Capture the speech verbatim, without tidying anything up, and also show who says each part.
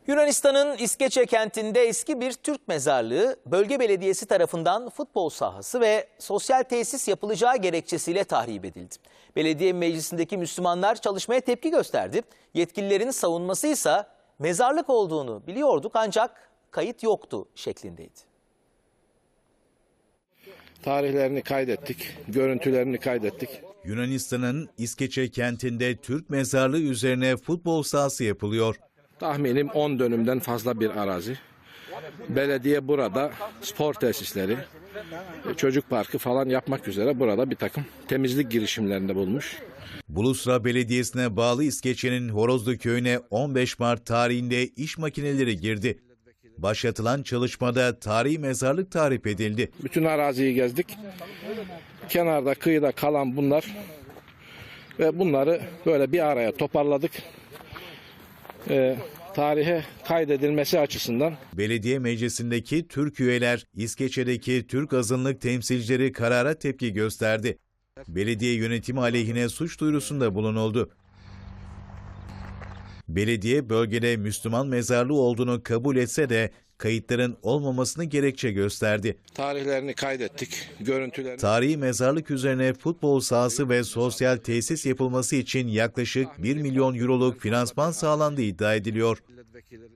Speaker 1: Yunanistan'ın İskeçe kentinde eski bir Türk mezarlığı, bölge belediyesi tarafından futbol sahası ve sosyal tesis yapılacağı gerekçesiyle tahrip edildi. Belediye meclisindeki Müslümanlar çalışmaya tepki gösterdi. Yetkililerin savunması ise mezarlık olduğunu biliyorduk ancak kayıt yoktu şeklindeydi.
Speaker 2: Tarihlerini kaydettik, görüntülerini kaydettik.
Speaker 3: Yunanistan'ın İskeçe kentinde Türk mezarlığı üzerine futbol sahası yapılıyor.
Speaker 2: Tahminim on dönümden fazla bir arazi. Belediye burada spor tesisleri, çocuk parkı falan yapmak üzere burada bir takım temizlik girişimlerinde bulunmuş.
Speaker 3: Bulusra Belediyesi'ne bağlı İskeçe'nin Horozlu köyüne on beş Mart tarihinde iş makineleri girdi. Başlatılan çalışmada tarihi mezarlık tahrip edildi.
Speaker 2: Bütün araziyi gezdik. Kenarda, kıyıda kalan bunlar ve bunları böyle bir araya toparladık. Ee, tarihe kaydedilmesi açısından.
Speaker 3: Belediye meclisindeki Türk üyeler, İskeçe'deki Türk azınlık temsilcileri karara tepki gösterdi. Belediye yönetimi aleyhine suç duyurusunda bulunuldu. Belediye bölgede Müslüman mezarlığı olduğunu kabul etse de kayıtların olmamasını gerekçe gösterdi.
Speaker 2: Tarihlerini kaydettik, görüntülerini...
Speaker 3: Tarihi mezarlık üzerine futbol sahası ve sosyal tesis yapılması için yaklaşık bir milyon euroluk finansman sağlandığı iddia ediliyor.